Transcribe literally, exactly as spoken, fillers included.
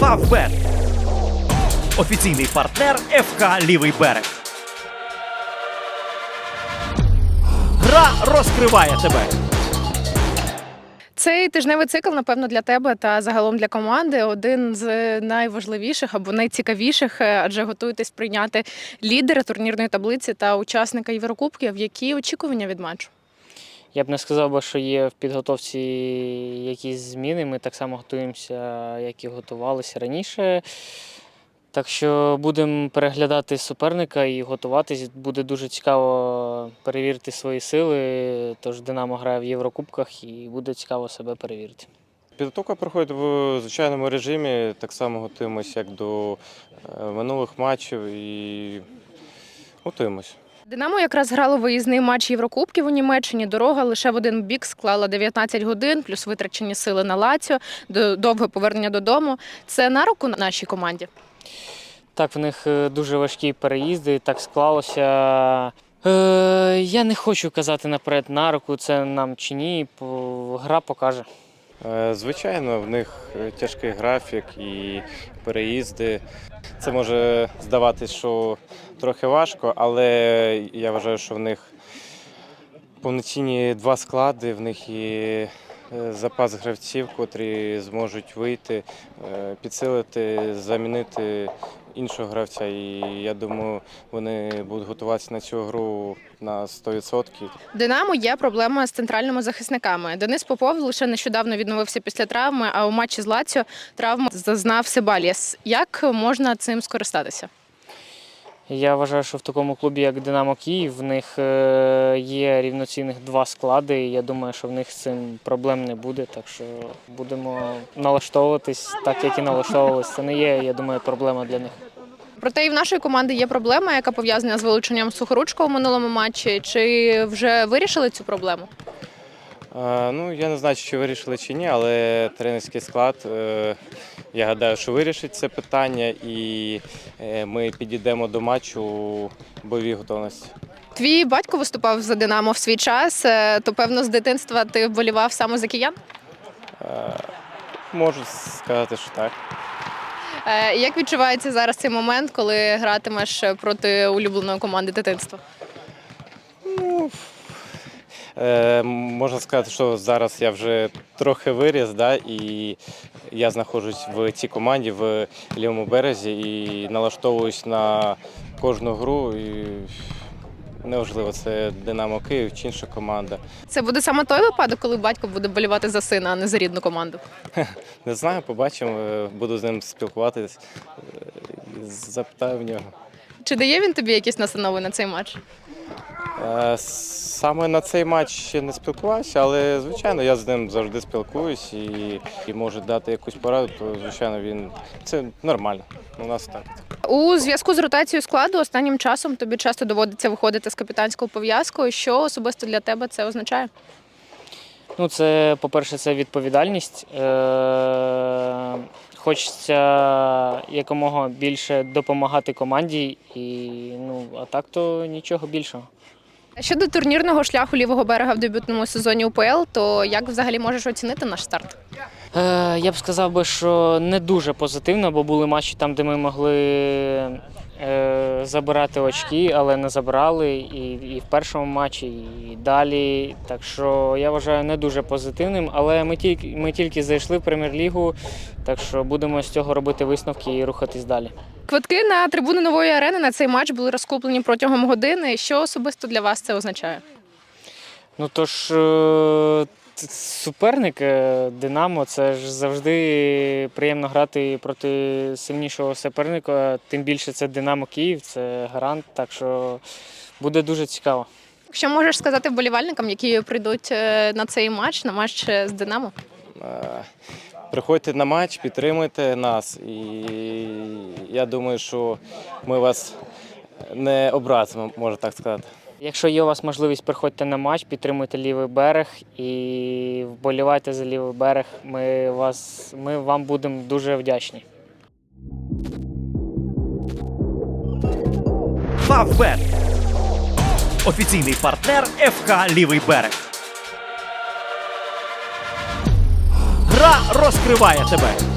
Фавбет. Офіційний партнер еф ка «Лівий берег». Гра розкриває тебе. Цей тижневий цикл, напевно, для тебе та загалом для команди один з найважливіших або найцікавіших, адже готуєтесь прийняти лідера турнірної таблиці та учасника Єврокубків. Які очікування від матчу? Я б не сказав, що є в підготовці якісь зміни. Ми так само готуємося, як і готувалися раніше. Так що будемо переглядати суперника і готуватись. Буде дуже цікаво перевірити свої сили. Тож «Динамо» грає в Єврокубках і буде цікаво себе перевірити. Підготовка проходить в звичайному режимі. Так само готуємося, як до минулих матчів, і готуємось. «Динамо» якраз грало виїзний матч Єврокубків у Німеччині. Дорога лише в один бік склала дев'ятнадцять годин, плюс витрачені сили на Лаціо, довге повернення додому. Це на руку нашій команді? Так, в них дуже важкі переїзди, так склалося. Е, я не хочу казати наперед на руку, це нам чи ні, гра покаже. Звичайно, в них тяжкий графік і переїзди. Це може здаватись, що трохи важко, але я вважаю, що в них повноцінні два склади, в них є запас гравців, котрі зможуть вийти, підсилити, замінити іншого гравця. І я думаю, вони будуть готуватися на цю гру на сто відсотків. «Динамо» є проблема з центральними захисниками. Денис Попов лише нещодавно відновився після травми, а у матчі з Лаціо травму зазнав Себальєс. Як можна цим скористатися? Я вважаю, що в такому клубі, як «Динамо Київ», в них є рівноцінних два склади. І я думаю, що в них з цим проблем не буде. Так що будемо налаштовуватись так, як і налаштовувалися. Це не є, я думаю, проблема для них. Проте і в нашої команди є проблема, яка пов'язана з вилученням Сухоручкова в минулому матчі. Чи вже вирішили цю проблему? Е, ну, я не знаю, чи вирішили чи ні, але тренерський склад, е, я гадаю, що вирішить це питання, і е, ми підійдемо до матчу у бойовій готовності. Твій батько виступав за «Динамо» в свій час, то, певно, з дитинства ти вболівав саме за киян? Е, можу сказати, що так. Як відчувається зараз цей момент, коли гратимеш проти улюбленої команди дитинства? Ну, е, можна сказати, що зараз я вже трохи виріс, да, і я знаходжусь в цій команді в Лівому березі і налаштовуюсь на кожну гру. І неважливо, це «Динамо Київ» чи інша команда. Це буде саме той випадок, коли батько буде болівати за сина, а не за рідну команду? Не знаю, побачимо, буду з ним спілкуватись, запитаю в нього. Чи дає він тобі якісь настанови на цей матч? Саме на цей матч ще не спілкувався, але, звичайно, я з ним завжди спілкуюсь і, і може дати якусь пораду, то, звичайно, він це нормально. У нас так. У зв'язку з ротацією складу останнім часом тобі часто доводиться виходити з капітанською пов'язкою. Що особисто для тебе це означає? Ну, це, по-перше, це відповідальність. Е- хочеться якомога більше допомагати команді, і, ну, а так то нічого більшого. Щодо турнірного шляху «Лівого берега» в дебютному сезоні У Пе Ел, то як взагалі можеш оцінити наш старт? Е, я б сказав би, що не дуже позитивно, бо були матчі там, де ми могли е, забирати очки, але не забрали і, і в першому матчі, і далі. Так що я вважаю не дуже позитивним, але ми тільки, ми тільки зайшли в Прем'єр-лігу, так що будемо з цього робити висновки і рухатись далі. Квитки на трибуни Нової арени на цей матч були розкуплені протягом години. Що особисто для вас це означає? Ну тож, суперник «Динамо» – це ж завжди приємно грати проти сильнішого суперника, тим більше це «Динамо Київ», це гарант, так що буде дуже цікаво. Що можеш сказати вболівальникам, які прийдуть на цей матч, на матч з «Динамо»? Приходьте на матч, підтримуйте нас, і я думаю, що ми вас не образимо, можна так сказати. Якщо є у вас можливість, приходьте на матч, підтримуйте «Лівий берег» і вболівайте за «Лівий берег». Ми, вас, ми вам будемо дуже вдячні. Фавбет. Офіційний партнер еф ка «Лівий берег». Гра розкриває тебе.